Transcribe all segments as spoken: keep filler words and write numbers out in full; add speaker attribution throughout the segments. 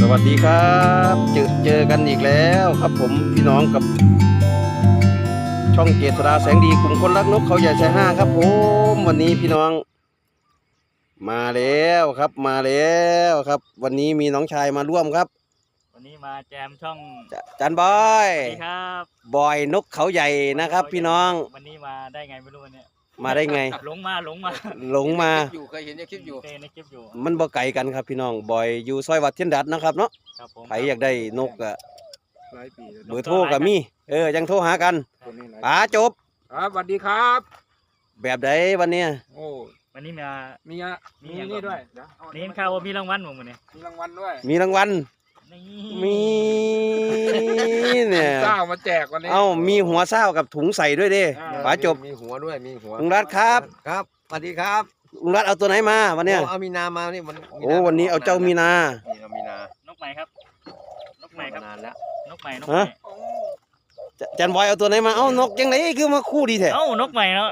Speaker 1: วัสดีครับเจอเจอกันอีกแล้วครับผมพี่น้องกับช่องเจษฎาแสงดีกลุ่มคนรักนกเขาใหญ่ชายห้าครับผมวันนี้พี่น้องมาแล้วครับมาแล้วครับวันนี้มีน้องชายมาร่วมครับ
Speaker 2: วันนี้มาแจมช่อง
Speaker 1: จันบอย
Speaker 2: สวัสดีครับ
Speaker 1: บอยนกเขาใหญ่นะครับพี่น้อง
Speaker 2: วันนี้มาได้ไงไม่รู้วันนี้
Speaker 1: มาได้ไง
Speaker 2: หลงมาหลงมา
Speaker 1: หลงมา
Speaker 3: อยู่เคยเห็นในคลิปอยู่
Speaker 2: ในคลิปอยู่
Speaker 1: มันบ่ไกลกันครับพี่น้องบอยอยู่ซอยวัดเทียนดัดนะครับเนาะใครอยากได้นกอะเบอร์โทรกับมีเออยังโทรหากันป๋าจบ
Speaker 3: ครับสวัสดีครับ
Speaker 1: แบบใดวันเนี้ย
Speaker 3: โอ้
Speaker 2: วันนี้มา
Speaker 3: มีอะมีนี่ด้วย
Speaker 2: นี่ข่าวว่ามีรางวัลผมวันนี้
Speaker 3: มีรางวัลด้วย
Speaker 1: มีรางวัลมีเนี่ย
Speaker 3: เศร้ามาแจกวันนี้
Speaker 1: เอ้ามีหัวเศร้ากับถุงใส่ด้วยดิป๋าจบ
Speaker 3: มีหัวด้วยมีหัว
Speaker 1: ลุงรัตครับ
Speaker 3: ครับสวัสดีครับ
Speaker 1: ลุงรัตเอาตัวไหนมาวันเนี้ย
Speaker 3: เอามีนามานี่มัน
Speaker 1: โอ้วันนี้เอาเจ้ามีนา
Speaker 3: เอามีนาน
Speaker 2: กใหม่ครับนกใหม่ครับ
Speaker 3: นานแล้ว
Speaker 2: นกใหม่นกใหม่
Speaker 1: จันบอยเอาตัวไหนมาเอ้านกยังไงคือมาคู่ดีแท้
Speaker 2: เอ้านกใหม่เนาะ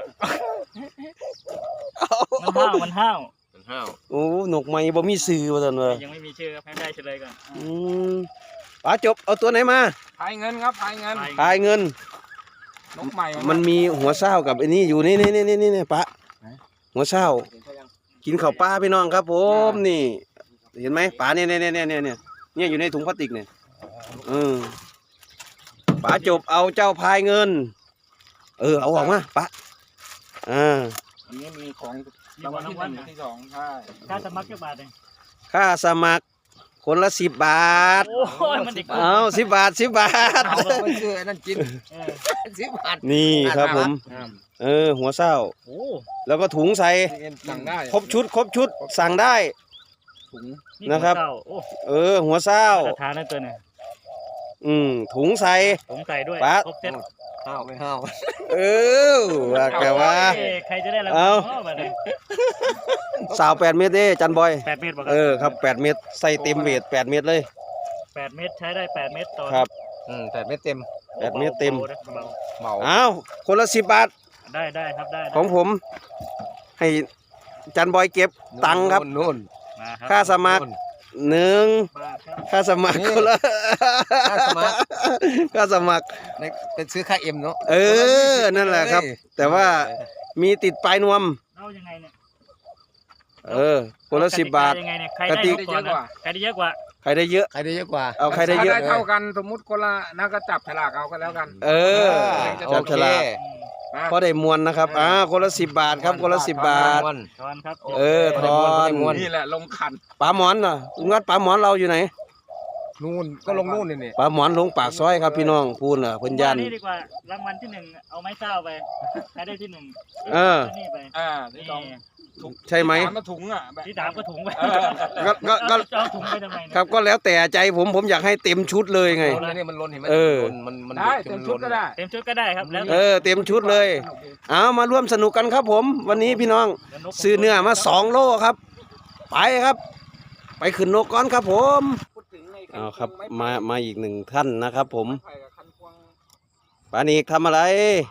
Speaker 2: มันห้าวมันห้าว
Speaker 3: มันห้าว
Speaker 1: โอ้นกใหม่บ่มีชื่อว่าซั่นว่า
Speaker 2: ยังไม่มีชื่อครับให้ได้เฉลยก่อน
Speaker 1: อืมป๋าจบเอาตัวไหนมา
Speaker 3: พายเงินครับพายเงิน
Speaker 1: พายเงิน
Speaker 3: นกใหม่
Speaker 1: มันมีหัวเศร้ากับไอ้นี่อยู่นี่นี่นี่นี่นี่ป๋าหัวเศร้ากินข้าวปลาพี่น้องครับผมนี่เห็นไหมป๋าเนี่ยเนี่ยเนี่ยเนี่ยเนี่ยเนี่ยอยู่ในถุงพลาสติกเนี่ยเออป๋าจบเอาเจ้าพายเงินเออเอาออกมาป๋าอ่า
Speaker 3: อันนี้มีของรางวัลที่หนึ่งที่สองใช่
Speaker 2: ค่าสมัครกี่บาทเอง
Speaker 1: ค่าสมัครคนละสิบบาท
Speaker 2: โอ้ยมันเด็ก
Speaker 1: เอาสิบบาทสิบบาท
Speaker 3: ไม่เชื่อนั่นกินสิบบาท
Speaker 1: นี่ครับผมเออหัวเศร้าแล้วก็ถุงใส่ครบชุดครบชุดสั่งได้นะครับเออหัวเศร้า
Speaker 2: ทานนั่นตัวเนี่ย
Speaker 1: อืมถุงใส่
Speaker 2: ถุงใส่ด้วยครบเซ็ต
Speaker 3: ห้าวไม่ห้าว
Speaker 1: เออว่าแกว่า
Speaker 2: ใครจะได้รางวัล
Speaker 1: สาวแปดเมตรเด้จันบอย
Speaker 2: แปดเมตร
Speaker 1: เออครับแปดเมตรใส่เต็มเวทแปดเมตรเลย
Speaker 2: แปดเมตรใช้ได้แปดเมตรต่อ
Speaker 1: ครับ
Speaker 3: อืมแปดเมตรเต็ม
Speaker 1: แปดเมตรเต็ม
Speaker 3: เบา
Speaker 1: อ้าวคนละสิบบาท
Speaker 2: ได้ได้ครับได้
Speaker 1: ของผมให้จันบอยเก็บตังค์ครับ
Speaker 3: นู่น
Speaker 1: ค่าสมัครหนึ่งค่าสมัครคนละ
Speaker 3: ค่าสมัคร
Speaker 1: ค่าสมัคร
Speaker 3: เป็นซื้อค่าเอ็มเนาะ
Speaker 1: เออนั่นแหละครับแต่ว่ามีติดปลายนวม
Speaker 2: เอายังไงเนี่ย
Speaker 1: เออคนละสิบบาท
Speaker 2: ใครได้เยอะกว่าใครได้เยอะกว่า
Speaker 1: ใครได้เยอะ
Speaker 3: ใครได้เยอะกว่า
Speaker 1: เอาใครได้เยอะ
Speaker 3: เท่ากันสมมุติคนละนักก็จับฉลากเอาก็แล้วกัน
Speaker 1: เออจับฉลากพอได้มวลนะครับอ่าคนละสิบบาทครับคนละสิบบาท
Speaker 2: ทอนครับ
Speaker 1: เออทอน
Speaker 3: นี่แหละลงขัน
Speaker 1: ป๋าหมอนน่ะงัดป๋าหมอนเราอยู่ไหน
Speaker 3: นู่นก็ลงนู่นนี่
Speaker 1: ป๋าหมอนลงปากซอยครับพี่น้องพูนน่ะเพิ่นยัน
Speaker 2: นี่ดีกว่ารางวัลที่หนึ่งเอาไม้เท้าไปใครได้ที่หนึ่ง
Speaker 1: เออ
Speaker 2: นี่ไป
Speaker 3: อ่าที่สอง
Speaker 1: ใช่ไหม
Speaker 3: มาถุงอ่ะ
Speaker 2: ที่สามก็ถุงไป
Speaker 1: ก็ก็ก็
Speaker 2: ถุงไปทำไม
Speaker 1: ครับก็แล้วแต่ใจผมผมอยากให้เต็มชุดเลยไง
Speaker 3: นี่มันล้นเห็นไหมมันมัน
Speaker 2: ได้เต็มชุดก็ได้เต็มชุดก็ได้ครับแล้ว
Speaker 1: เออเต็มชุดเลยเอามาร่วมสนุกกันครับผมวันนี้พี่น้องซื้อเนื้อมาสองโลครับไปครับไปขึ้นนกก่อนครับผมเอาครับมามาอีกหนึ่งท่านนะครับผมปานิกทำอะไร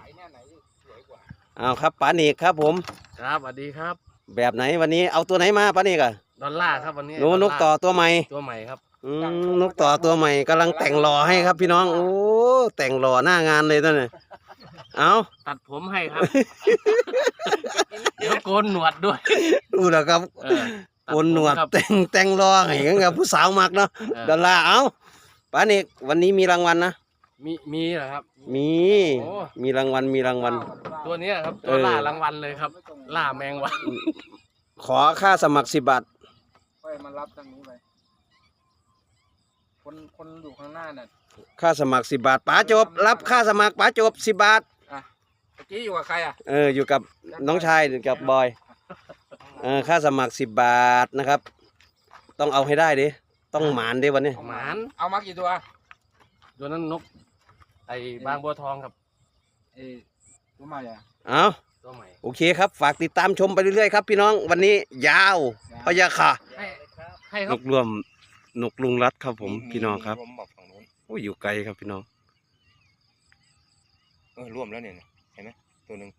Speaker 1: เอาครับปานิกครับผม
Speaker 4: ครับสวัสดีครับ
Speaker 1: แบบไหนวันนี้เอาตัวไหนมาปานิกอะ
Speaker 4: ดอลลาร์ครับวันนี้
Speaker 1: นกนกต่อตัวใหม่
Speaker 4: ตัวใหม่ครับ
Speaker 1: อืมนกต่อตัวใหม่กำลังแต่งหล่อให้ครับพี่น้องโอ้แต่งหล่อหน้างานเลยตอนนี้เอา
Speaker 4: ตัดผมให้ครับแล้วโกนหนวดด้วย
Speaker 1: ดูแล้วครับโกนหนวดแต่งแต่งหล่อให้กับผู้สาวมักเนาะดอลลาร์เอาปานิกวันนี้มีรางวัลนะ
Speaker 4: มีมีเหรอครับ
Speaker 1: มีมีรางวัลมีรางวัล
Speaker 4: ตัวนี้ครับตัวล่ารางวัลเลยครับล่าแมงวัน
Speaker 1: ขอค่าสมัครสิบบาท
Speaker 3: ค่อยมารับทางนี้ไปคนคนอยู่ข้างหน้าน่ะ
Speaker 1: ค่าสมัครสิบบาทป๋าจบรับค่าสมัครป๋าจบสิบบาท
Speaker 3: อ่ะเมื่อกี้อยู่กับใครอ่ะ
Speaker 1: เอออยู่กับน้องชายกับบอยเออค่าสมัครสิบบาทนะครับต้องเอาให้ได้ดิต้องหมานดิวันนี้
Speaker 4: หมาน
Speaker 3: เอามากี่ตัว
Speaker 4: ตัวนั้นนกไอ้บางบัวทองครับ
Speaker 3: เออตัวใหม่อ่ะ
Speaker 1: เอา
Speaker 4: ตัวใหม่
Speaker 1: โอเคครับฝากติดตามชมไปเรื่อยๆครับพี่น้องวันนี้ยาวพยาค่ะนกรวมนกลุงรัดครับผมพี่น้องครับโอ้ยอยู่ไกลครับพี่น้อง
Speaker 3: เออรวมแล้วเนี่ยเห็นไหมตัวหนึ่ง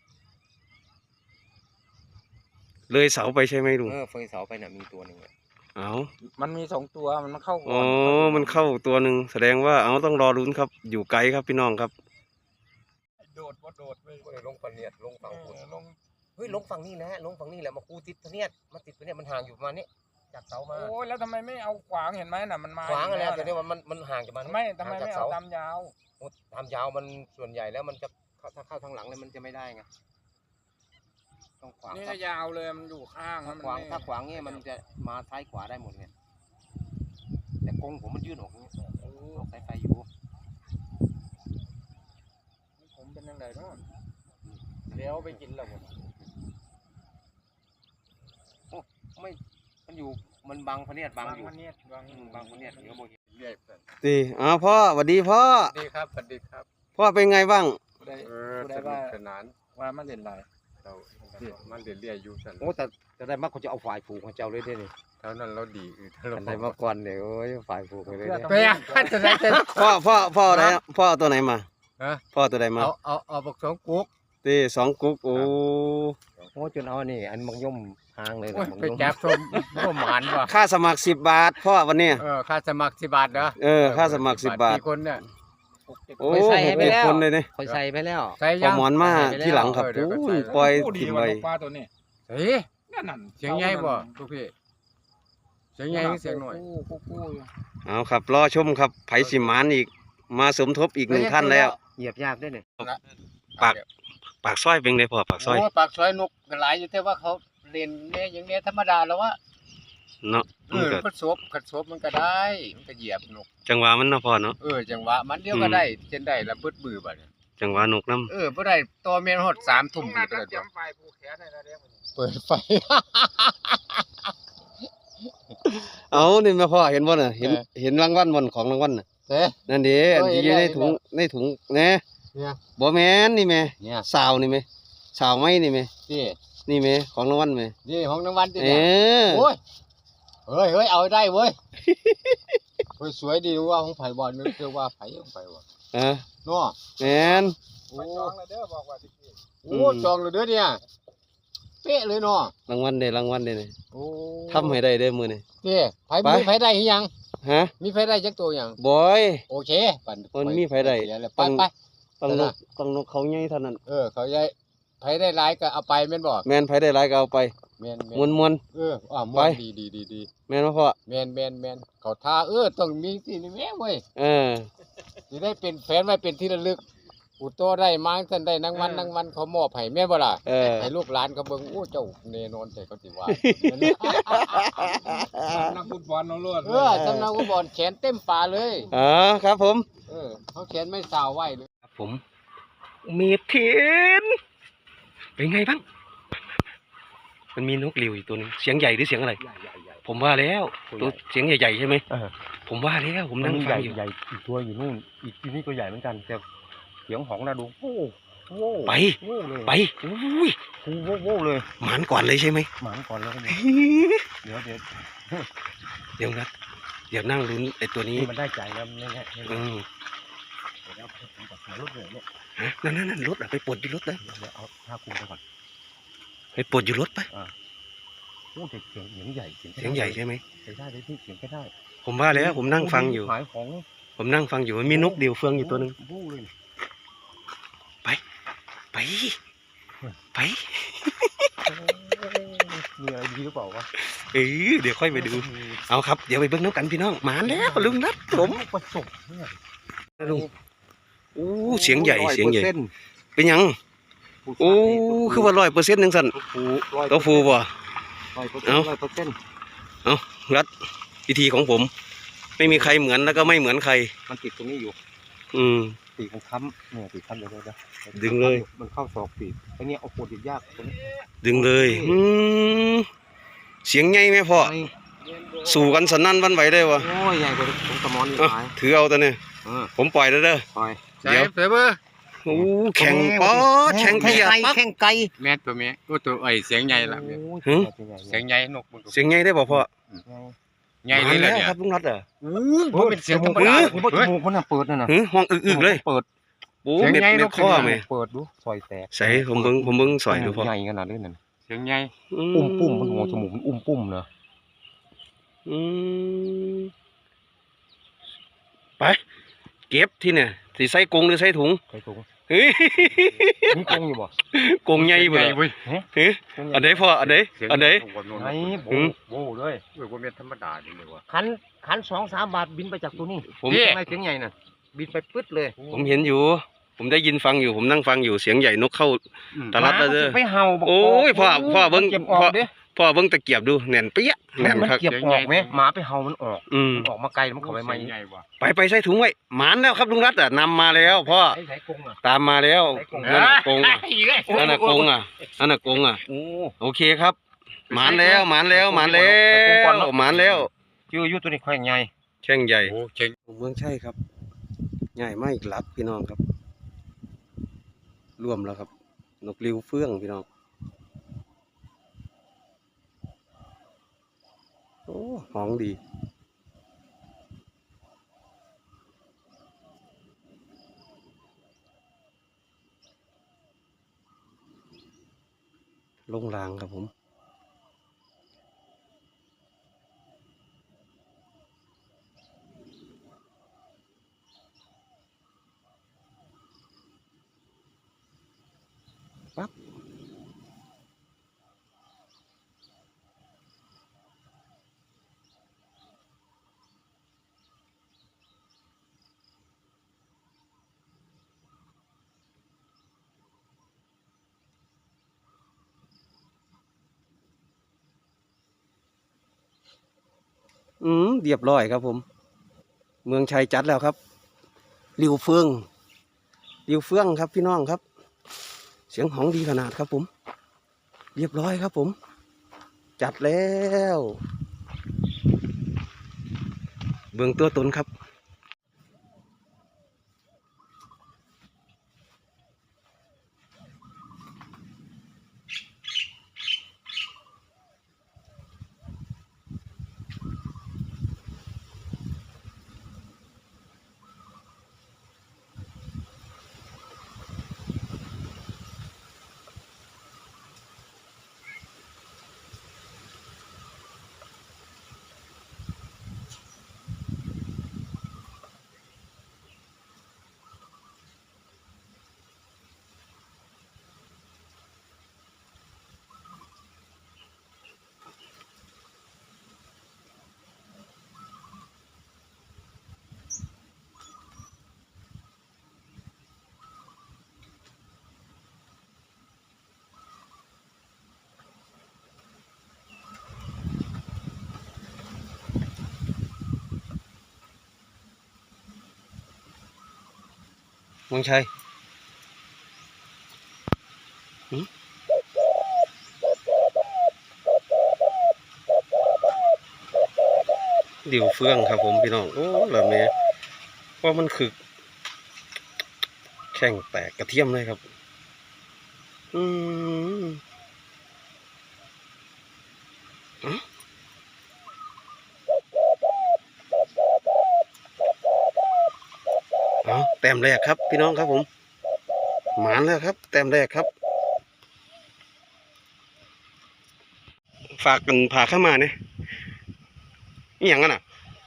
Speaker 1: เลยเสาไปใช่ไหมลุง
Speaker 3: เออเฟยเสาไปน่ะมีตัวหนึ่ง
Speaker 1: เอา
Speaker 3: มันมีสองตัวมันมาเข้าก่
Speaker 1: อ๋
Speaker 3: อ
Speaker 1: อน มันเข้าตัวหนึ่งแสดงว่าเอาต้องรอลุ้นครับอยู่ไกลครับพี่น้องครับ
Speaker 3: โดดว่าโดดไม่
Speaker 5: ก็เลยลงปะเนียดลงฝั่งคุณ
Speaker 3: ลง
Speaker 5: เฮ้ยลงฝั่งนี้นะลงฝั่งนี้แหละมาคูติดปะเนียดมาติดปะเนียดมันห่างอยู่ประมาณนี้จากเสามา
Speaker 3: โอ้ยแล้วทำไมไม่เอาขวางเห็นไหมน่ะมันมา
Speaker 5: ขวางอะไร
Speaker 3: ยู่
Speaker 5: แต่
Speaker 3: แล้
Speaker 5: เนี่ยว มันมันมันห่างจากมัน
Speaker 3: ไม่ทำไม
Speaker 5: ห่างจา
Speaker 3: ไม่
Speaker 5: ก
Speaker 3: เอา
Speaker 5: เสา
Speaker 3: ตามยาว
Speaker 5: โอ้ตามยาวมันส่วนใหญ่แล้วมันจะเข้าถ้าเข้าทางหลังเลยมันจะไม่ได้ไงต้องขวาง
Speaker 3: นี่
Speaker 5: ถ้า
Speaker 3: ก็ยาวเลยมันอยู่ข้าง
Speaker 5: ถ้า
Speaker 3: มัน
Speaker 5: ขวาง
Speaker 3: ไม่
Speaker 5: ถ้าขวางเนี่ยมันจะมาซ้ายขวาได้หมดไงแต่กรงผมมันยื่นออกอย่างนี้ออกสายไฟอยู่
Speaker 3: ผมเป็นยังไงเนาะเดี๋ยวไปกินแล้วผม
Speaker 5: ไม่มันอยู่มันบังพะเนียดบังอยู่
Speaker 3: วันนี้บาง
Speaker 5: อืมบังพะเนียดเดี๋ยวโมเห็น
Speaker 3: เรียกกัน
Speaker 1: ดีอ้าวพ่อสวัสดีพ่อ
Speaker 3: สวัสดีครับสวัสดีครับ
Speaker 1: พ่อเป็นไงบ้าง
Speaker 3: ได้
Speaker 6: เออ
Speaker 3: ได้
Speaker 6: สนุ
Speaker 3: ว่าก
Speaker 6: สนาน
Speaker 3: ว่ามันเล่นไร
Speaker 6: เรามันเรียนๆอยู่สัน
Speaker 5: โอ้แต่จะได้มากเขาจะเอาฝ่ายผูกของเจ้าเลยได้นี่
Speaker 6: เท่านั้นเราดีอือถ้าเรา
Speaker 5: อันใดมาก่อนเนี่ยโอ้ยฝ่ายผูกไปเลยเนี่ย
Speaker 3: ไปอ่ะจะได้จะ
Speaker 1: พ่อพ่อพ่ออะไรนะพ่อเอาตัวไหนมา
Speaker 6: ฮะ
Speaker 1: พ่อตัวไหนมา
Speaker 6: เอาเอาเอาบักสองกุ๊ก
Speaker 1: ตีสองกุ๊กโอ้
Speaker 5: โอ้จนเอานี่อันมังย่อมหางเลย
Speaker 6: โอ้ย
Speaker 5: นะมัง
Speaker 6: ไป
Speaker 5: ย่อม
Speaker 6: จับชมร่วมหมานว่ะ
Speaker 1: ค่าสมัครสิบบาทพ่อวันเนี้ย
Speaker 6: เออค่าสมัครสิบบาทเหรอ
Speaker 1: เออค่าสมัครสิบบาท
Speaker 6: กี่คนเนี่ย
Speaker 1: โอ้หกเจ็ดคนเลยเนี่ย
Speaker 5: คอยใส่ไปแล้ว
Speaker 6: ใส่
Speaker 1: พอ
Speaker 6: ยัง
Speaker 1: หมอนมาที่หลังครับ
Speaker 6: เออเดี๋ยวก็
Speaker 1: โอ้
Speaker 6: ใส่
Speaker 1: ยปล่อย
Speaker 3: โอ้ดี
Speaker 1: ถิ่ม
Speaker 3: ว่ะ
Speaker 1: ไว้
Speaker 3: นกปลาตัวนี้
Speaker 6: เฮ้ย
Speaker 3: นั่นนั่น
Speaker 6: เสียงใหญ่บ่ทุกพี่เสียงใหญ่หรือเสียงหน่อย
Speaker 3: กู้กู้กู้อยู่
Speaker 1: เอาครับรอชมครับไผสิหมานอีกมาสมทบอีกหนึ่งท่านแล้ว
Speaker 5: เหยียบยากด้วยเนี่ย
Speaker 1: ปาก ปากซอยเป็นไงพ่อปากซอย
Speaker 6: โอ้ปากซอยนกก็หลายอยู่แต่ว่าเขาเล่นเนี่ยอย่างเนี้ยธรรมดาแล้ววะ
Speaker 1: เนาะ
Speaker 6: เอ
Speaker 1: มัน
Speaker 6: อ
Speaker 1: ก็
Speaker 6: พัดศพขัดศพมันก็ได้มันก็เหยียบนก
Speaker 1: จังหวะมันเนาะพ่อเนาะ
Speaker 6: เออจังหวะมันเดียวก็ได้เช่นได้ละเบิดมือบัดเนี่ย
Speaker 1: จังหวะนกน้
Speaker 6: เออบ่ได้ตัวเมียนฮอดสามทุ่ม
Speaker 3: มา
Speaker 6: ก็
Speaker 3: ตั้
Speaker 6: ได้
Speaker 3: ง
Speaker 6: ตัว
Speaker 3: จำไฟผูกแขนให้แล้วเดี๋ยว
Speaker 6: เปิดไฟ
Speaker 1: ำเอานี่แม่พ่อเห็นบ่น่ะเห็น
Speaker 6: เออ
Speaker 1: เห็นรางวัลบ่นของรางวัลน่ะ
Speaker 6: เด้
Speaker 1: นั่นดิอันที่อยู่ในถุงในถุงแหน่
Speaker 6: เนี่ย
Speaker 1: บ่แม่นนี่แม่
Speaker 6: เนี่ย
Speaker 1: สาวนี่แม่สาวไม้นี่แม่
Speaker 6: นี่
Speaker 1: นี่แม่ของรางวัลแม่
Speaker 6: นี่ของรางวัลที่
Speaker 1: เอ
Speaker 6: เนี่ย
Speaker 1: อ
Speaker 6: โอ้ยเฮ้ยเฮ้ยเอาได้เว้ย เฮ้ยสวยดีว่าของไผบ่นึกคือว่าไผของไผบ่
Speaker 1: เออ
Speaker 6: เนาะ
Speaker 1: แม่น
Speaker 6: โอ้
Speaker 3: ไปจองแล้วเด้อบอกว่าสิกี้
Speaker 6: โอ้จองเลยเด้อเนี่ยเป๊ะเลยเนาะ
Speaker 1: รางวัลเด้รางวัลเด้นี่
Speaker 6: โอ้
Speaker 1: ทำให้ได้เด้อมื้อนี้
Speaker 6: นี่ไผ
Speaker 1: ไป
Speaker 6: มีไผได้หรือยัง
Speaker 1: ฮะ
Speaker 6: มีไผได้จักตัวยัง
Speaker 1: บอย
Speaker 6: โอเคปั่น
Speaker 1: มันมีไผได้
Speaker 6: เสียแล้ว
Speaker 1: ต้
Speaker 6: ไป
Speaker 1: อง
Speaker 6: ไป
Speaker 1: ต้องนกต้องนกเขาใหญ่เท่านั้น
Speaker 6: เออเขาใหญ่ไผได้หลายก็เอาไปแม่นบ่
Speaker 1: แม่นไผได้หลายก็เอาไป
Speaker 6: แม่น
Speaker 1: มวนมวน
Speaker 6: เอออ่าม
Speaker 1: ไป
Speaker 6: วนดีดีดีดี
Speaker 1: ๆแม่นบ่พ่อ
Speaker 6: แม่นแม่นแม่นเขาท่าเออต้องมีสินี่แม่เว้ย
Speaker 1: เออ
Speaker 6: สิได้เป็นแฟนไว้เป็นที่ระลึกอุโตได้มาท่านได้นางวันนางวันเขามอบให้แม่นบ่ล่ะ
Speaker 1: เออ
Speaker 6: ให้ลูกหลานเขาเบิ่งโอ้เจ้าแน่นอนแต่เขาสิว่า
Speaker 3: นักฟุตบอลน้องลวด
Speaker 6: เออสำนักฟุตบอลแขนเต็มป่าเลย
Speaker 1: อ๋อครับผม
Speaker 6: เออเขาแขนไม่สาวไว้เลย
Speaker 1: ครับผมมีเทียนเป็นไงบ้าง มันมีนกหลิวอยู่ตัวหนึงเสียงใหญ่หรือเสียงอะไร ผมว่าแล้วตัวเสียงใหญ่ๆใช่ไหม
Speaker 5: เออ
Speaker 1: ผมว่าแล้วผมนั่งฟังอยู่
Speaker 5: ใหญ่อีกตัวอยู่นู่นอีกที่นี่ก็ใหญ่เหมือนกันแต่เสียงหองนะดูโอ้โห
Speaker 1: ไป
Speaker 5: โว้เลย
Speaker 1: ไปอุ้ย
Speaker 5: โอ้โหโว้เลย
Speaker 1: หมานก่อนเลยใช่ไหม
Speaker 5: หมานก่อนแล้วก็เนี่ยเดี๋ยวเดี๋ยว
Speaker 1: เดี๋ยวนะเดี๋ยวนั่งลุ้นไอ้ตัวนี้
Speaker 5: นี่มันได้ใจแล้วไม่แน่ไม่
Speaker 1: อื
Speaker 5: แน่
Speaker 1: ม
Speaker 5: เดี๋ยวเอาผมกับสายรถเลยเนี่ย
Speaker 1: ฮะนั่นนั่นนั่นรถอะไปปลดอยู่รถนะ
Speaker 5: เดี๋ยวเอาผ้าคลุมไปก่อน
Speaker 1: ไปปลดอยู่รถไป
Speaker 5: โอ้เด็กเสียงเสียงใหญ่
Speaker 1: เสียงใหญ่ใช่ไหม
Speaker 5: เสียงได้เลยพี่เสียงก็ได้
Speaker 1: ผมว่าแล้วผมนั่งฟังอยู่
Speaker 5: ขายของ
Speaker 1: ผมนั่งฟังอยู่มันมีนกเดี่ยวเฟืองอยู่ตัวหนึง
Speaker 5: โว้เลย
Speaker 1: ไป ไป
Speaker 5: มีอะไรดีหรือเปล่าวะ
Speaker 1: เออเดี๋ยวค่อยไปดู เอาครับ เดี๋ยวไปเบิ่งน้ำกันพี่น้องหมาแล้วลุงนัดผม
Speaker 5: ประสบเนี่ย
Speaker 1: ลุงโอ้เสียงใหญ่เสียงใหญ่เป็นหยังโอ้คือว่าร้อยเปอร์เซ็นต์หนึ่งสัน
Speaker 5: ร้อย
Speaker 1: ตัวฟูบ่
Speaker 5: ร้อยเปอร์เซ็น
Speaker 1: เอ้า
Speaker 5: ต์ร้อยเปอร์เซ็นต์
Speaker 1: รัดวิธีของผม ไม่มีใครเหมือนแล้วก็ไม่เหมือนใคร
Speaker 5: มันติดตรงนี้อยู่
Speaker 1: อืม
Speaker 5: ปีกมันค้ำเนี่ยปีกค้ำเดี๋ยวเดี๋ยวเดี๋ยว
Speaker 1: ดึงเลย
Speaker 5: มันเข้าศอกปีกไอ้เนี่ยเอาโคติดยากตรงนี้
Speaker 1: ดึงเลยอืมเสียงใหญ่ไหมพ่อสู่กันสนั่นหวันไหวได้วะ
Speaker 5: โอ้ยใหญ่กว่าผมกระมอนนี่
Speaker 1: เอ้า
Speaker 5: ตาย
Speaker 1: ถือเอาตัวเนี่ย
Speaker 5: เออ
Speaker 1: ผมปล่อยแล้วเด้อ
Speaker 5: ปล่อย
Speaker 6: ใส่
Speaker 1: เดี๋ยว
Speaker 6: เฟเบอร์
Speaker 1: โอ้แข่งป๊อดแข่งเกียร์ปั๊บ
Speaker 5: แข่งไก่
Speaker 6: แม่นตัวแม่ตัวตัวไอ้เสียงใหญ่ละแม่น
Speaker 1: หึ
Speaker 6: เสียงใหญ่นกบน
Speaker 1: เสียงใหญ่ได้บ่พ่อ
Speaker 6: ใหญ่เลยล่ะ
Speaker 1: มา
Speaker 6: เนี่ย
Speaker 1: ครับลุงนัดอ่ะ
Speaker 6: บ่เป็นเสียงธรรมดา
Speaker 5: นี่บ่จมูกมันน่ะเปิดนั่นน่ะ
Speaker 1: หึห้องอึกๆเลย
Speaker 5: เปิด
Speaker 1: โอ้
Speaker 6: เสียง
Speaker 1: เม็ด
Speaker 6: ใหญ่
Speaker 1: เม็
Speaker 6: น
Speaker 1: ด
Speaker 6: ก
Speaker 1: ข้อ
Speaker 6: เป็นไง
Speaker 1: ไหม
Speaker 5: เปิดดูซอยแตก
Speaker 1: ใส่ผมเบิ่งผมเบิ่งสอยดูพ่อ
Speaker 5: ใหญ่ขนาดนี้นั่น
Speaker 6: เสียงใหญ่
Speaker 1: อื
Speaker 5: อุ้มปุ้มมันหัวจมูกมันอุ้มปุ้มเนอะ
Speaker 1: อืมไปเก็บที่เนี่ยสิใส่กรงหรือใส่ถุง
Speaker 5: ใส่ถุง
Speaker 1: เฮ้ย
Speaker 5: นี่กงอยู่บ่
Speaker 1: กรงใหญ่บ่ล่ะ
Speaker 6: เว้ย
Speaker 1: เฮ้ยอันไหนพ่ออันไหนอันไหน
Speaker 5: ไอ้โบ
Speaker 1: หืม
Speaker 5: โบเลย
Speaker 6: เว้ยบ่แม่นธรรมดาดิเลยว่ะ
Speaker 5: คันคันสองสามบาทบินไปจากตัวนี้
Speaker 1: ผม
Speaker 5: ทำไมเสียงใหญ่น่ะบินไปปึ๊ดเลย
Speaker 1: ผมเห็นอยู่ ผมได้ยินฟังอยู่ผมนั่งฟังอยู่เสียงใหญ่นกเข้า ตะลับแล้วเด้อ
Speaker 5: หมามันสิไปเห่าบอก
Speaker 1: โอ้ยพ่อพ่อเบิ่ง
Speaker 5: มันเก็บออกเด้
Speaker 1: พ่อเบิ่งตะเกียบดูแน่นเปี้ยแน่น
Speaker 5: มัน
Speaker 1: ครับ
Speaker 5: เก็บออกไหมหมาไปเห่ามันออก
Speaker 1: อืม
Speaker 5: มันออกมาไกลแล้วมันเข้าไปไหม
Speaker 6: ใหญ่ว่ะ
Speaker 1: ไปไปใส่ถุงไว้หมานแล้วครับลุงรัตน์อ่ะนำมาแล้วพ่อ
Speaker 5: ไอ้ไสกงอ่ะ
Speaker 1: ตามมาแล้ว
Speaker 5: ไสกง
Speaker 1: นั่นน่ะกรงอ่ะ
Speaker 5: อีกแล้ว
Speaker 1: นั่นน่ะกรงอ่ะนั่นน่ะกรงอ่ะ
Speaker 5: โอ้
Speaker 1: โอเคครับหมานแล้วหมานแล้วหมานแล้วหมานแล้ว
Speaker 5: ชื่ออยู่ตัวนี้ค่อยใหญ่
Speaker 1: แช่งใหญ่
Speaker 6: โอ้เจ๋ง
Speaker 1: เมืองใช่ครับใหญ่มากอีกลับพี่น้องครับรวมแล้วครับนกริ้วเฟื่องพี่น้องโอ้ห้องดีลงรางครับผมปั๊บอืมเรียบร้อยครับผม เมืองชัยจัดแล้วครับริวเฟืองริวเฟืองครับพี่น้องครับ เสียงหองดีขนาดครับผม เรียบร้อยครับผม จัดแล้วเบื้องตัวตนครับเมืองชัยหืมดิวเฟื่องครับผมพี่น้องโอ้แบบนี้ว่ามันคือแข่งแตกกระเทียมเลยครับอืมเอาแต้มแรกครับพี่น้องครับผมหมานแล้วครับแต้มแรกครับฝากกันพาเข้ามาเนี่ยนี่อย่างนั้นอ่ะ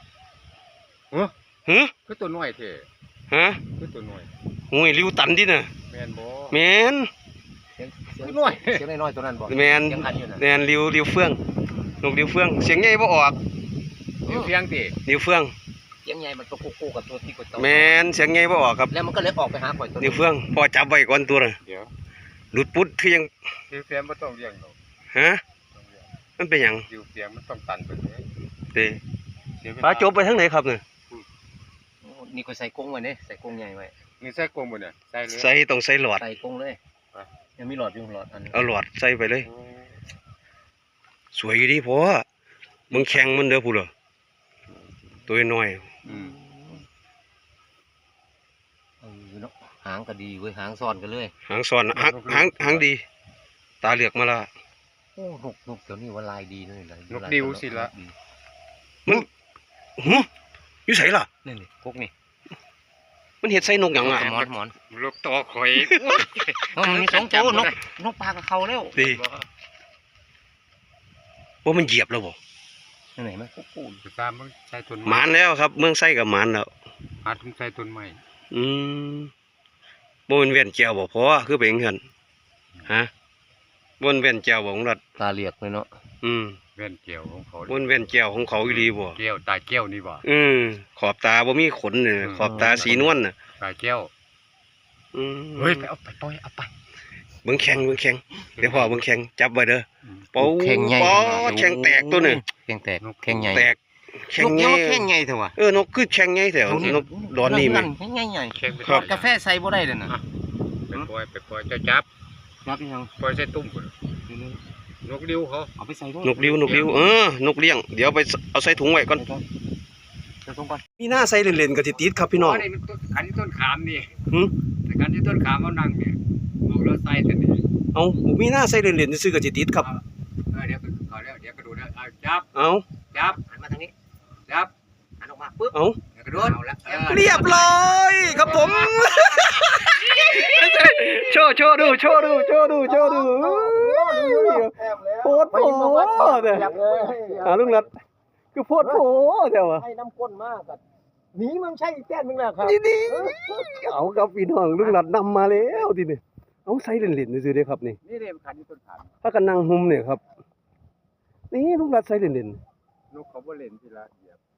Speaker 1: ฮะ
Speaker 6: คือตัวน้อยแท้
Speaker 1: ฮะ
Speaker 6: คือตัวน้อย
Speaker 1: โอ้ยริวตันดิน่ะ
Speaker 6: แม่นบ่
Speaker 1: แมน
Speaker 5: เสียง
Speaker 6: คือน้อย
Speaker 5: เสียงน้อยๆตัวนั้นบอก
Speaker 1: แมน
Speaker 5: ยังคันอยู่น่ะ
Speaker 1: แมนริวริวเฟื่องนกริวเฟื่องเสียงใหญ่บ่ออก
Speaker 6: อยู่เพียงติ
Speaker 1: ริวเฟื่อง
Speaker 5: เสียงใหญ่มันตัวคู่ๆกับตัวที่กดตัว
Speaker 1: แมนเสียงใหญ่บ่ออกครับ
Speaker 5: แล้วมันก็เลยออกไปหาข่อยตัว
Speaker 1: ริวเฟื่องพอจับไว้ก่อนตัวน่ะ
Speaker 6: เดี๋ยว
Speaker 1: หลุดปุ๊ดคือยัง
Speaker 6: อยู่เพียงบ่ต้องเลี้ยงหรอก
Speaker 1: ฮะ
Speaker 6: ต้องเลี้ยง
Speaker 1: มันเป็นหยัง
Speaker 6: อยู่เพียงมันต้องตันไปเลย
Speaker 1: เด้
Speaker 6: เสียเวล
Speaker 1: ฟ้าจบไปทางไหนครับเนี่ย
Speaker 5: นี่ก็ใส่กรงไว้เนี่ยใส่กรงใหญ่ไว้
Speaker 6: นี่ใส่กลมบ่เนี่ยใส่เลย
Speaker 1: ใส่ต้องใส่หลอด
Speaker 5: ใส่กรงเลยยังมีหลอดอยู่หลอดอันนี้
Speaker 1: เอาหลอดใส่ไปเลย
Speaker 6: โอ้
Speaker 1: สวยอยู่ดีพอมึงแข่งมันเด้อพูดเหรอตัวน้อย
Speaker 6: อืม
Speaker 5: เออเนาะหางก็ดีเว้ยหางซ่อนกันเลย
Speaker 1: หางซ้อนหางหางหางดี ตาเหลือกมาละ
Speaker 5: โอ้นกนกเดี๋ยวนี้ว่าลายดีเลยลาย
Speaker 6: นกดิวสิละ
Speaker 5: ดี
Speaker 1: มันหึอยู่ไสล่ะ
Speaker 5: นี่นี่กุ๊กนี่
Speaker 1: มันเห็ดใส่นกหยังอ่ะ
Speaker 5: หมอนหมอน
Speaker 6: ลูกตอข่อย
Speaker 5: เออมันมีสองตัวนกนกปลากับเขาแล้ว
Speaker 1: ดีว่ามันเหยียบแล้วบ่
Speaker 5: ไหนไหมโอ้โหจะตามมันใช้ต้น
Speaker 1: หมานแล้วครับ เมืองไส้กับหมานแล้ว
Speaker 5: หาทุ่งใช้ต้นไม้
Speaker 1: อืมบนเวียนแก้วบ่พอคือเป็นเงินฮะบนเวียนแก้วบ่ของรัฐ
Speaker 5: ตาเหลียกเลยเนาะ
Speaker 1: อืม
Speaker 5: แว่นเกี่ยวของเขา
Speaker 1: บนเวียนแก้วของเขาอีหลีบ่
Speaker 5: แก้วตาแก้วนี่บ่
Speaker 1: อืมขอบตาบ่มีขนเนี่ยขอบตาสีนวลน่ะ
Speaker 5: ตาแก้ว
Speaker 1: อืม
Speaker 5: เฮ้ยไปเอาไปปล่อยเอาไป
Speaker 1: เบิ่งแข่งเบิ่งแข่งเดี๋ยวพ่อเบิ่งแข่งจับไว้เด้อปู
Speaker 5: แข่งใหญ่
Speaker 1: ปอแข่งแตกตัวนึง
Speaker 5: แข่งแตกแข่งใหญ่
Speaker 1: แตกแข่ง
Speaker 5: นก
Speaker 1: ให
Speaker 5: ยั
Speaker 1: ญ่
Speaker 5: งแข่งใหญ่เถอะวะ
Speaker 1: เออนกคือแข่งใหญ่แถวนกดอนนี่แม่
Speaker 5: แข่งใหญ่ใหญ่แข่งไป
Speaker 1: ครับ
Speaker 5: กาแฟใส่บ่ได้เลยนะ
Speaker 3: ไปปล่อยไปปล่อยเจ้าจับ
Speaker 5: จับยัง
Speaker 3: ปล่อยใส่ตุ้มพุ่นนกดิ้วเขา
Speaker 5: เอาไปใส่ด้วย
Speaker 1: นกริ้วนกริ้วเออนกเลี้ยงเดี๋ยวไปเอาใส่ถุงไว้ก่อน
Speaker 5: ใส่ตรงก่อน
Speaker 1: มีหน้าใส่เล่นๆก็สิติดครับพี่น้อง
Speaker 3: นี่มันต้นขันที่ต้นขามนี่
Speaker 1: หึ
Speaker 3: แต่ขันที่ต้นขามเขานั่งเนี่ยบอกแล้วใส่แต่นี่
Speaker 1: เอามีหน้าใส่เล่นๆซื่อๆก็สิติดครับ
Speaker 3: เออเดี๋ยวเขาแล้วเดี๋ยวกระโดดแล้วเอาจับ
Speaker 1: เอา
Speaker 3: จับ
Speaker 5: หันมาทางนี้
Speaker 3: จับ
Speaker 5: หันออกมาปุ๊บ
Speaker 1: เอา
Speaker 3: เดี๋ยวกระโดดเอาละเออ
Speaker 1: เรียบร้อยครับผม โชว์โชว์ดูโชว์ดูโชว์ดูโชว์ดูโพดโผเนี่ยหาลุงนัดคือโพดโผเดี๋ยววะ
Speaker 6: ให้น้ำก้นมากอะหนีมันใช่แก้นมึงแหละครับ
Speaker 1: นี่นี่เอาครับพี่น้องลุงนัดนำมาแล้วทีนี้เอาใส่เล่นๆซื่อๆเด้ครับนี่
Speaker 3: นี่เลยขันที่ต้นขาม
Speaker 1: ถ้ากันนั่งหุมเนี่ยครับนี่ลุงนัดใส่เล่น
Speaker 3: นกเขาบ่เล่นทีละเหยียบ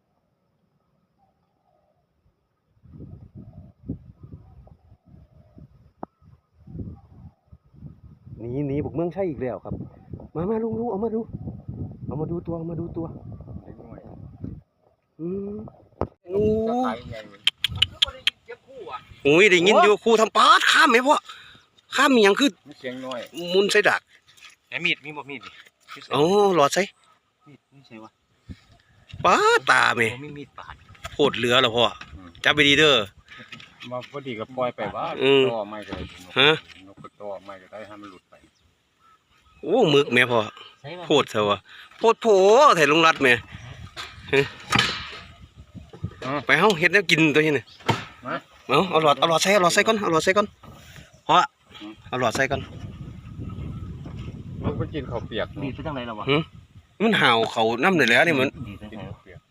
Speaker 1: ๆหนีหนีบุกเมืองใช่อีกแล้วครับ มามาลุงลุงเอามาดูเอามาดูตัวเอามาดูตัว
Speaker 3: เล็กน้อย
Speaker 1: อืมโอ้
Speaker 3: จะขายยังไงเว้ย
Speaker 1: โอ้ยได้ยินอยู่ครูทำปาดข้ามไหมพ่อข้ามมีหยังคือ
Speaker 3: มันเสียงน้อย
Speaker 1: มุนใส่ดัก
Speaker 5: แหมมีดมีบ่มีดดิ
Speaker 1: อ๋อหลอดใส่
Speaker 5: มีดไม่ใช่วะ
Speaker 1: ปาดตาไหม
Speaker 5: โอ้มีมีดปาด
Speaker 1: โคตรเหลือแล้วพ่อจับไปดีเด้อ
Speaker 3: มาพอดีก็ปล่อยไปว่า
Speaker 1: อืม
Speaker 3: ต่อไม่ก็ได้
Speaker 1: ฮะ
Speaker 3: นกก็ต่อไม่ก็ได้ให้มันหลุดไป
Speaker 1: โอ้หมึกแม่พ่อ
Speaker 5: ใช่ป่ะ
Speaker 1: โคตรเถอะวะโคตรโผแถลุงรัดแม่ฮะไปเฮาเฮ็ดแนวกินตัวนี้น่ะเอาเอาหลอดเอาหลอดใส่เอาหลอดใส่ก่อนเอาหลอดใส่ก่อนพ่อเอาหลอดใส่ก่อน
Speaker 3: นกมันกินข้าวเปียก
Speaker 5: ดีดไปทางไหนแล้ววะ
Speaker 1: มันห่าวเขาน้ำเลยแหล้วนี่มัน
Speaker 5: ดีดไป
Speaker 3: กิ
Speaker 5: ทาน งไหน
Speaker 3: ข้าวเปียก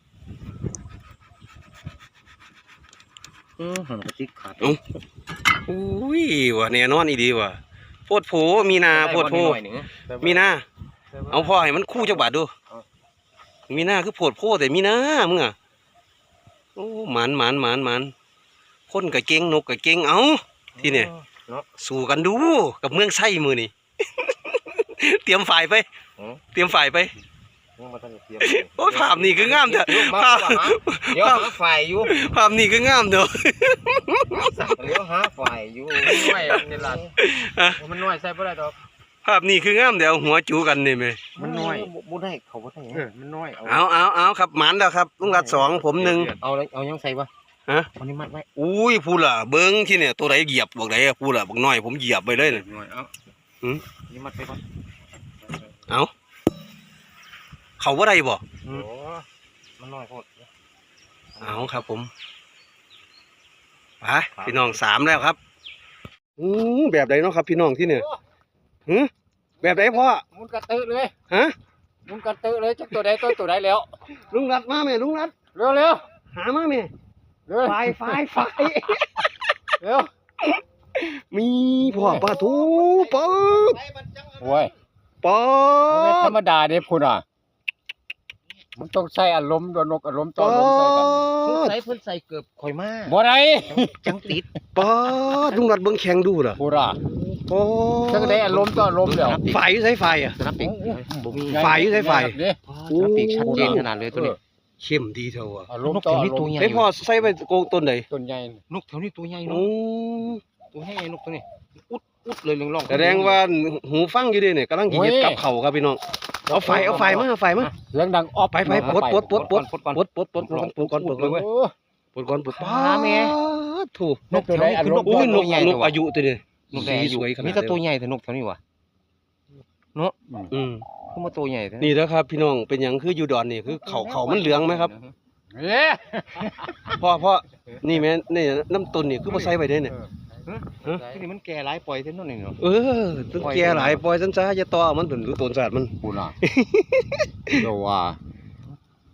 Speaker 5: อือหันกระติกขาด
Speaker 1: อุ้ยว่ะแน่นอนอีดีว่ะโพดโผมีนาโพดโผมีนาเอาพ่อให้มันคู่จักบาทดูมีนาคือโพดโผแต่มีนามึงอ่ะโอ้หมานหมานหมานหมานคนกับเก่งนกกับเก่งเอาที่เนี่ยสู้กันดูกับเมืองไส้มือนี่ เตรียมฝ่ายไป เตรียมฝ่ายไป
Speaker 5: ยังมาตั้งเตรียม
Speaker 1: โอ้ยภาพนี่คืองามเถอะภาพ
Speaker 5: เดี๋ยวหาฝ่ายอยู่
Speaker 1: ภาพนี่คืองามเถอะ
Speaker 5: เดี๋ยวหาฝ่ายอยู่
Speaker 3: น้อยนี่ล่ะมันน้อยใส่บ่ได้ดอก
Speaker 1: ภาพนี่คืองามเดี๋ยวหัวจูกันนี่ไหม
Speaker 3: มันน้อย
Speaker 5: บ่ได้เขาบ่ได้
Speaker 3: เออมันน้อยเอา
Speaker 1: เอาเอาเอาครับหมานแล้วครับลุงรัดสองผมหนึ่ง
Speaker 5: เอาเลยเอายังใส่วะ
Speaker 1: ฮะ
Speaker 5: วันนี้มัดไว้
Speaker 1: อุ้ยพูดล่ะเบิ้งที่เนี่ยตัวไหนเหยียบบอกไหนอะพูดล่ะบอกน้อยผมเหยียบไปเลยน่ะ
Speaker 3: น้อยเอา
Speaker 5: นี่มัดไปก่อน
Speaker 1: เอาเขาว่าไรบ่
Speaker 3: โอ้
Speaker 5: มันน้อยโพด
Speaker 1: เอาครับผมไปพี่น้องสามแล้วครับอู้แบบไหนเนาะครับ พี่น้องที่เนี่ยหืแบบไหนพ่อ
Speaker 6: มุนกระตือเลย
Speaker 1: ฮะ
Speaker 6: มุนกระตือเลยจักตัวใดตัวตัวใดแล้ว
Speaker 1: ลุงรัดมาแม่ลุงรัด
Speaker 6: เร็วเร็ว
Speaker 1: หามาแม่
Speaker 6: เร็ว
Speaker 1: ไฟไฟไฟ
Speaker 6: เร็ว
Speaker 1: มีพ่อปลาทูป๊อด
Speaker 6: โอ้ย
Speaker 1: ป๊อ
Speaker 6: มันไม่
Speaker 1: ด
Speaker 6: ธรรมดาเด้พุ่นอ่ะมันต้องใส่อารมณ์ตัวนกอารมณ์ต่อ
Speaker 1: ป๊อ
Speaker 6: อารมณ์ใส่กัน
Speaker 1: ด
Speaker 5: ใส่เพิ่นใส่เกือบข่อยมา
Speaker 6: บ่ได้
Speaker 5: จังติด
Speaker 1: ป๊อดลุงรัดเบิ้งแข็งดูล่ะ
Speaker 6: พุ่นอ่ะ
Speaker 1: ป๊อ
Speaker 6: จังได้อารมณ์ต่ออารมณ์เดี๋ยว
Speaker 1: ไฟอยู่ใช้ไฟอ่ะ
Speaker 5: สนับปีกบ่มี
Speaker 1: ไฟอยู่ใช้ไฟ
Speaker 6: เด้
Speaker 5: สนับปีกชัดเจนขนาดเลยตัวนี้
Speaker 1: เข้มดีเท่าว่ะ
Speaker 6: อารมณ์ต่ออารมณ์
Speaker 1: ไอ้พ่อใส่ไปโกงต้นไหน
Speaker 6: ต้นใหญ่
Speaker 5: นกแถวนี้ตัวใหญ่เนาะ
Speaker 1: โอ้
Speaker 5: ตัวใหญ่นกตัวนี้อุดอุดเลยเรื่องร่อง
Speaker 1: แสดงว่าหูฟังอยู่ดิเนี่ยกำลังกินเห็ดกับเขาครับพี่น้องเอาไฟเอาไฟมาเอาไฟมา
Speaker 6: เสียงดังออก
Speaker 1: ไปไปปลดปลดปลดปลด
Speaker 5: ปลดก่อน
Speaker 1: ปลดปลดปลดปลดปลดก่อนปลดก่อน
Speaker 6: โอ้
Speaker 1: ปลดก่อนปลด
Speaker 5: ปลาแม่
Speaker 1: ถูก
Speaker 6: นกตัวใดอารมณ์
Speaker 1: อุ้ยน
Speaker 5: ตั
Speaker 1: ก
Speaker 5: วใหญ่
Speaker 1: น
Speaker 5: ตั
Speaker 1: ก
Speaker 5: ว
Speaker 1: อายุตัวนี้
Speaker 5: นกแดง
Speaker 1: สีสวยขนาด
Speaker 5: มีแต่ตัวใหญ่แต่นกแถวนี้วะ
Speaker 1: อืม
Speaker 5: คือมาตัวใหญ่แท้
Speaker 1: นี่นะครับพี่น้องเป็นหยังคืออยู่ดอนนี่คือเขาเขามันเหลืองไหมครับ
Speaker 6: เอ๊ะ
Speaker 1: พ่อพ่อนี่แม่นี่น้ำต้นนี่คือบ่ใส่ไว้ได้เนี่ย
Speaker 5: ที่นี่มันแก่หลายปล่อยเท่านั้นเองเนาะ
Speaker 1: เออต้องแก่หลายปล่อยซันซะอย่าต่อมันเป็นรู้ต้นศาสตร์มัน
Speaker 6: พุ่นอ่ะเดี๋ยวว่า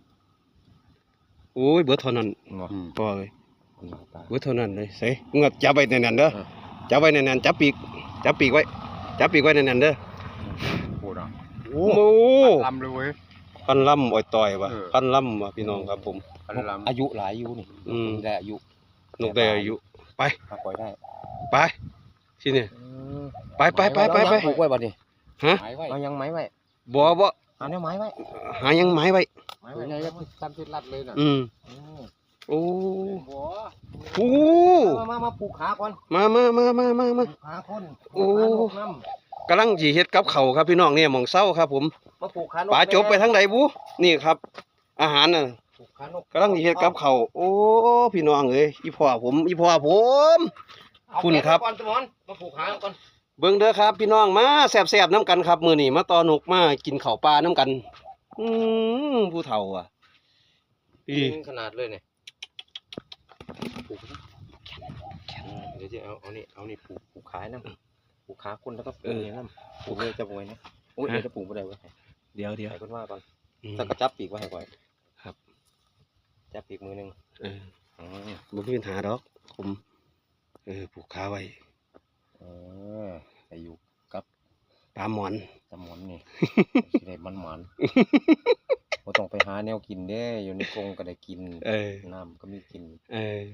Speaker 1: โอ้ยเบิดเท่านั้น
Speaker 6: เนาะ
Speaker 1: พอเลยเบิดเท่านั้นเลยใส่เงือกจับไว้แน่นๆเด้อจับไว้แน่นๆจับปีกจับปีกไว้จับปีกไว้แน่นๆเด้อ
Speaker 6: พูดอ่ะ
Speaker 1: โอ้โห
Speaker 6: ลำเลยเว้ย
Speaker 1: พันล่ำอ้อยต่อยว่ะ
Speaker 6: เออ
Speaker 1: พันล่ำว่ะพี่น้องครับผม
Speaker 6: พันลำ
Speaker 5: อายุหลายอายุนี่
Speaker 1: อืม
Speaker 5: ได้อายุ
Speaker 1: นกได้อายุไป
Speaker 5: มาปล่อยได้
Speaker 1: ไปที่นี่ไปไปไปไปไป
Speaker 5: ปลูกไว้บ่นี่
Speaker 1: ฮะ
Speaker 6: หายไว้
Speaker 5: เอายังไม้ไว้
Speaker 1: บ่บ่
Speaker 5: เอาเนี่ยไม้ไว้
Speaker 1: หายังไม้ไว้
Speaker 5: ไม้
Speaker 6: เป็
Speaker 5: ไว้
Speaker 6: นไงก็ทำที่รัดเลยน่ะ
Speaker 1: อืม
Speaker 5: อืม
Speaker 1: โอ้
Speaker 6: บัว
Speaker 1: โอ้
Speaker 5: มามามาปลูกขาก่อน
Speaker 1: มามามามามา
Speaker 5: ป
Speaker 1: มา
Speaker 5: ลูกขาคน
Speaker 1: โอ้
Speaker 5: ปลูกขานกน้
Speaker 1: กำลังสิเฮ็ดกับข้าวครับพี่น้องเนี่ยหม่องเช้าครับผม
Speaker 5: ำมาปลูกขานก
Speaker 1: ป๋าจบไปทางใดบุนี่ครับ อาหารน่ะ
Speaker 5: ปลูกขานก
Speaker 1: กำลังสิเฮ็ดกับข้าวโอ้พี่น้องเอ้ยอีพ่อผมอีพ่อผม
Speaker 5: เอา
Speaker 1: คุณครับ
Speaker 5: แขนมาก่อนสมอนมาปลูกขาก่อน
Speaker 1: เบิ่งเด้อครับพี่น้องมาแซ่บๆน้ำกันครับมื้อนี้มาต่อนกมากินข้าวปลาน้ำกันอืมผู้เฒ่าอ่ะอี
Speaker 5: จริงขนาดเลยเนี่ยปลูกเดี๋ยวจะเอาเอานี่เอานี่ปลูกปลูกขายน้ำปลูกขาคนแล้วก็ปลูกเนี่ยน้ำปลูกเลยจะปลูกไว้นะโอ้ยเดี๋ยวจะปลูกไม่ได้เว้ย
Speaker 1: เดี๋ยวเดี๋ยว
Speaker 5: ให้คนว่าก่อน
Speaker 1: อืม
Speaker 5: ถ้ากระจับปีกไว้ให้ก่อน
Speaker 1: ครับ
Speaker 5: จับปีกมือหนึ่ง
Speaker 1: เออ
Speaker 5: อืม
Speaker 1: บ่มีปัญหาดอกผมเออผูกขาไว้
Speaker 5: เออใส่อยู่กับ
Speaker 1: ปลาหมอน
Speaker 5: สมอนนี่ สิได้มันมันบ่ต้องไปหาแนวกินเด้อยู่ในกรงก็ได้กิน
Speaker 1: เออ
Speaker 5: น้ำก็มีกิน
Speaker 1: เออ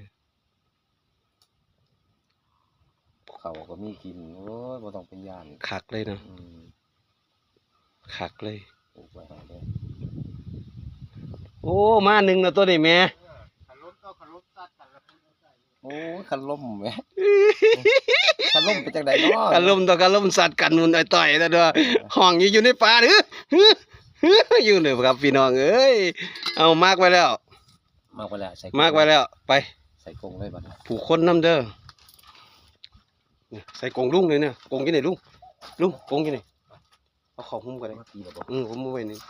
Speaker 5: ข้าวก็มีกินโอ้ยบ่ต้องเป็นย่าน
Speaker 1: คักเลยเนาะ
Speaker 5: อืม
Speaker 1: คักเลย
Speaker 5: ปลูกไว้ให้เด้อ
Speaker 1: โอ้มาหนึ่งแล้วตัวนี้แม่
Speaker 6: ขันรถก็ขันรถตัดขันรถ
Speaker 5: โอ้ยคันล่มแหม คันล่มเป็นจังไดเนาะ
Speaker 1: อารมณ์ต่ออารมณ์สัตว์กันนู่นต่อยๆแล้วเด้อห้องอยู่อยู่ในป่าหรืออยู่เลยครับพี่น้องเอ้ยเอามากไว้แล้ว
Speaker 5: มากไว้แล้วใส่
Speaker 1: มากไว้แล้วไป
Speaker 5: ใส่กรงเลยบัดนี้
Speaker 1: ผูกคนน้ำเด้อนี่ใส่กรงลุงเลยเนี่ยกรงกี่ไหนลุงลุงกรงกี่ไหนเอาของหุ้มกันเลย
Speaker 5: มาปีแล้วบ่
Speaker 1: อืมผมเอาไว้นี่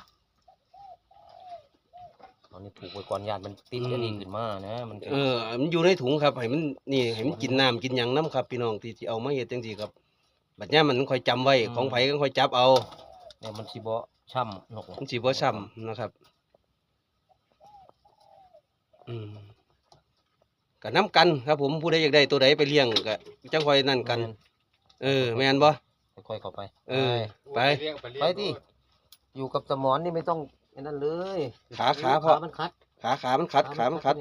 Speaker 5: ตอนนี้ปลูกไว้ก่อนย่านมันติดอันนี้ขึ้นมานะมันจะ
Speaker 1: เออมันอยู่ในถุงครับให้มันนี่ให้มันกินน้ำกินหยังน้ำครับพี่น้องที่ที่เอามาเฮ็ดจังซี่ครับบัดเนี้ยมันค่อยจำไว้ของไผก็ค่อยจับเอา
Speaker 5: เนี่ยมันสิบ่ช่ำนก
Speaker 1: มันสิบ่ซ้ำนะครับอืมก็น้ำกันครับผมผู้ใดอยากได้ตัวใดไปเลี้ยงก็จังค่อยนั่นกัน เออแม่นบ่
Speaker 5: ค่อยๆเข้าไป
Speaker 1: เออไป
Speaker 5: ไปที่อยู่กับสมอนนี่ไม่ต้องไอ้นั่นเลย
Speaker 1: ขาขาพอ
Speaker 5: มันคัด
Speaker 1: ขาขามันขัดขามันขัด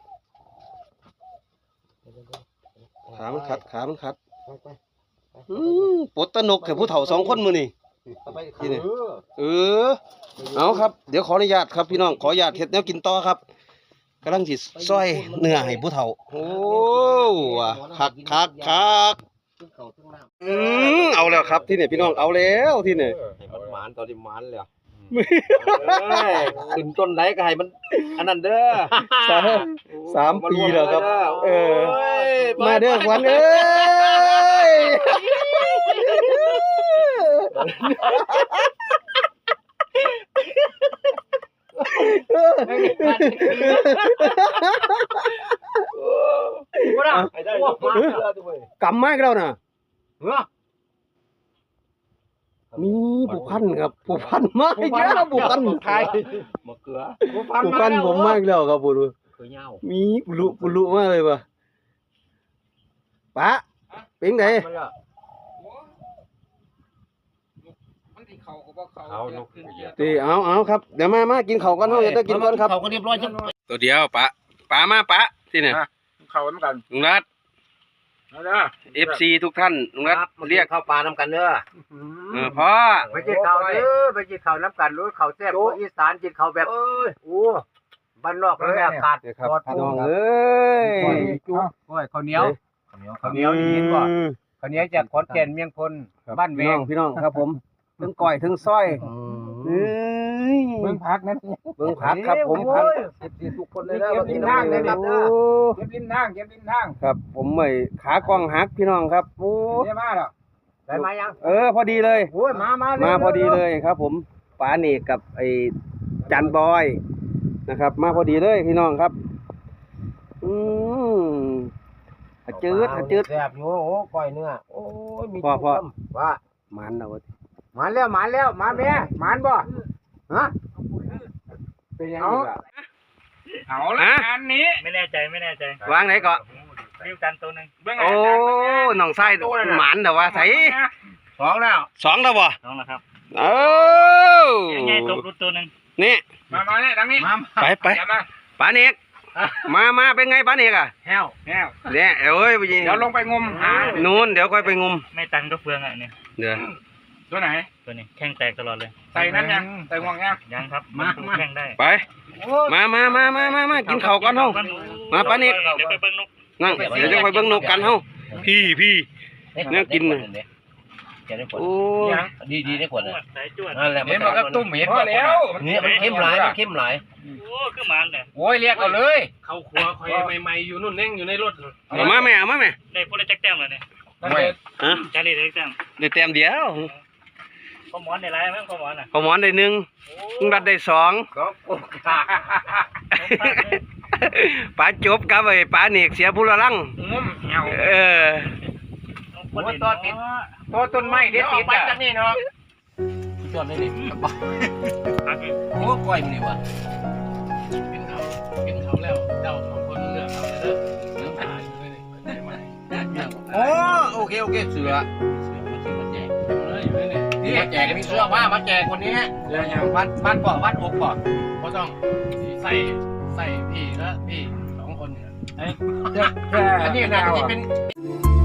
Speaker 1: ขามันขัดขามันขัด
Speaker 5: ไปไป
Speaker 1: อืมปลดตะนกแค่ผู้เฒ่าสองคนมื้อนี่
Speaker 5: เข้าไป
Speaker 1: ที่นี่ เออเอาครับเดี๋ยวขออนุญาตครับพี่น้องขออนุญาตเฮ็ดแนวกินต่อครับกำลังสิซอยเนื้อให้ผู้เฒ่าโอ้ว่ะคักคักคัก
Speaker 5: ขึ้นเขาขึ้นน้ำ
Speaker 1: อืมเอาแล้วครับที่นี่พี่น้องเอาแล้วที่นี่
Speaker 5: ให้มันหมานตอนที่หมานเลยอะขึ้นต้นไหนก็ให้มันอันนั้นเด้อ
Speaker 1: สามสามปีแล้วครับ เออ
Speaker 5: โอ้ย
Speaker 1: มาเด้อขวัญเอ้ย
Speaker 5: บ่ได้ให้ได้มาด้วย
Speaker 1: กำไม้กันแล้วน่ะ
Speaker 5: เฮ้อ
Speaker 1: มีผูกพันครับผูกพันมากอีกแล้วผูกพัน
Speaker 5: ไทยมะเขือ
Speaker 1: ผูกพันผมมากแล้วครับผม
Speaker 5: เขือเหย้า
Speaker 1: มีปุลุปุลุมากเลยป่ะปะเป็นไง
Speaker 6: มันที่เขาก็บ่เขา
Speaker 5: เอานก
Speaker 1: ตีเอาเอาครับเดี๋ยวมามากินข้าวกันเฮาจะได้กินก่อนครับ
Speaker 5: เขาก็เรียบร้อยจัง
Speaker 1: ตัวเดียวปะปะมาปะที่เนี่ย
Speaker 6: เขาเหมือนกัน
Speaker 1: ลุงรัฐ
Speaker 6: นะนะ
Speaker 1: เอฟซีทุกท่านลุงรัฐเรียก
Speaker 5: เข้าปลาน้ำกันเด้อ
Speaker 1: เออพ่อ
Speaker 3: ไปกินข้าวเด้อไปกินข้าวน้ำกันรู้ข้าวแซ่บคนอีสานกินข้าวแบบโอ้บ้านนอกเลยอากาศ
Speaker 1: ครับ
Speaker 3: ปลอด
Speaker 1: พี่
Speaker 3: โปร่
Speaker 1: น้อง
Speaker 3: ง
Speaker 1: เอ้ย
Speaker 3: จุ๊บโอ้ยข้าวเหนียวข้าวเหนียวข้าวเหนียวนี่เห็นบ่ข้าวเหนียวจากขอนแก่นเมียงพลบ้านแว
Speaker 1: พี่น้อง งพี่น้องครับผมทั้งก้อยทั้งซอยเอ้ย
Speaker 3: เบิ่งพักนั่น
Speaker 1: เบิ่งผักครับผมผัก
Speaker 3: เก็บทุกคนเลยนะกินทางเลยครับ
Speaker 1: โอ้
Speaker 3: เก็บริมทางเก็บริมทาง
Speaker 1: ครับผมไม่ขากล้องหักพี่น้องครับโอ้
Speaker 3: ได้มาแล้วได้มายัง
Speaker 1: เออพอดีเลย
Speaker 3: โอ้ยมามา
Speaker 1: มาพอดีเลยครับ ผมป๋าเนกกับไอ้จันบอยนะครับ มาพอดีเลยพี่น้องครับอืมหาจืดหาจืด
Speaker 5: แซ่บอยู่โอ้ก้อยเนื้อโอ้ยมี
Speaker 1: พ่อพ่อ
Speaker 3: ว่า
Speaker 1: มันเอาไว้
Speaker 3: มาแล้วมาแล้วมาแม่มานบ่ฮะเป็นยังไงล่ะ
Speaker 7: เอาละงานนี้
Speaker 2: ไม่แน่ใจไม่แน่ใจ
Speaker 1: วางไหนเกาะ
Speaker 2: ริ้วกันตัวหนึ่ง
Speaker 1: โอ้น้องไส้หมานแต่ว่าใส่
Speaker 3: สองแล้ว
Speaker 1: สองแล้วบ่
Speaker 2: น้องนะครับ
Speaker 1: เอ้า
Speaker 2: ยังไงตกรุดตัวหนึ่ง
Speaker 1: นี่
Speaker 7: มามาเนี่ยทางนี้
Speaker 3: มา
Speaker 1: ไปไป
Speaker 7: อย่ามา
Speaker 1: ปาเนกมามาเป็นไงปาเนกอ่ะ
Speaker 3: แห้ว
Speaker 7: แห้ว
Speaker 1: เนี่ยเอ้ยไปยิง
Speaker 7: เดี๋ยวลงไปงมหา
Speaker 1: นู่นเดี๋ยวค่อยไปงม
Speaker 2: ไม่ตันก็เฟืองอ่ะเนี่ย
Speaker 1: เดี๋ยว
Speaker 7: ตัวไหน
Speaker 2: ตัวนี้แข้งแตกตลอดเลย
Speaker 7: ใส่นั่นยังใส่ห่วงยัง
Speaker 2: ยังครับนแข้งได้
Speaker 1: ไปมามามามามามากินข้าวกันเฮา มาปานิก
Speaker 2: เดี๋ยวไปเบิ้งนก
Speaker 1: นั่งเดี๋ยวจะไปเบิ่งนกกันเฮาพี่พี่เนี่ยกินน่ะโอ้
Speaker 6: ดีดีได้ผลเลย
Speaker 2: สายจวด
Speaker 6: นั่นแหละ
Speaker 7: เห็นมันก็ตุ้มเห็น
Speaker 3: พอแล้ว
Speaker 6: เนี่ยมันเข้มหลายมันเข้มหลาย
Speaker 2: โอ้คือหมันเนี่ย
Speaker 3: โอ้ยเรียกเอาเลย
Speaker 4: เข้าครัวคอยใหม่ๆอยู่นู่นเน่งอยู่ในรถ
Speaker 1: เอามาแม่เอามาแม่
Speaker 2: ได้พูดได้แจ็คแต้มเลยเนี่ย
Speaker 1: ฮะ
Speaker 2: จารีได้แจ็คแต้ม
Speaker 1: ได้แต้มเดียว
Speaker 2: ข้อหมอนได้ไรมั้งข้อหมอนอ่ะ
Speaker 1: พอหมอนได้หนึ่งลุงรัดได้สอง
Speaker 3: สองโอ้ขา
Speaker 1: ป๋าจบกับไอ้ป๋าเนกเสียผู้ละลัง
Speaker 7: งมแห้ว
Speaker 1: เออ
Speaker 2: โอ้ตัวติด
Speaker 3: ตัวต้นไม้เด็ดติดอ่ะ
Speaker 7: จากนี่เนาะ
Speaker 6: จอดเลยนี่โอ้ก้อยมันนี่วะ
Speaker 4: กินเขากินเขาแล้วเจ้าสองคนเลือกเอาเลยเด้อเนื้อปลาอยู่เลยได้ไหม
Speaker 6: โอ้โอเคโอเคเสือเสือมาซื้อมาแจก
Speaker 4: เลยอยู่เลย
Speaker 6: นี่แจกมีเสื้อผ้ามาแจกคนนี้
Speaker 4: แล้วยัง
Speaker 6: บ้านบ้านปอบ้านอกปอ
Speaker 4: ก็ต้องใส่ใส่พี่และพี่สองคนเนี่ย
Speaker 3: อันนี้นะที่เป็น
Speaker 6: เ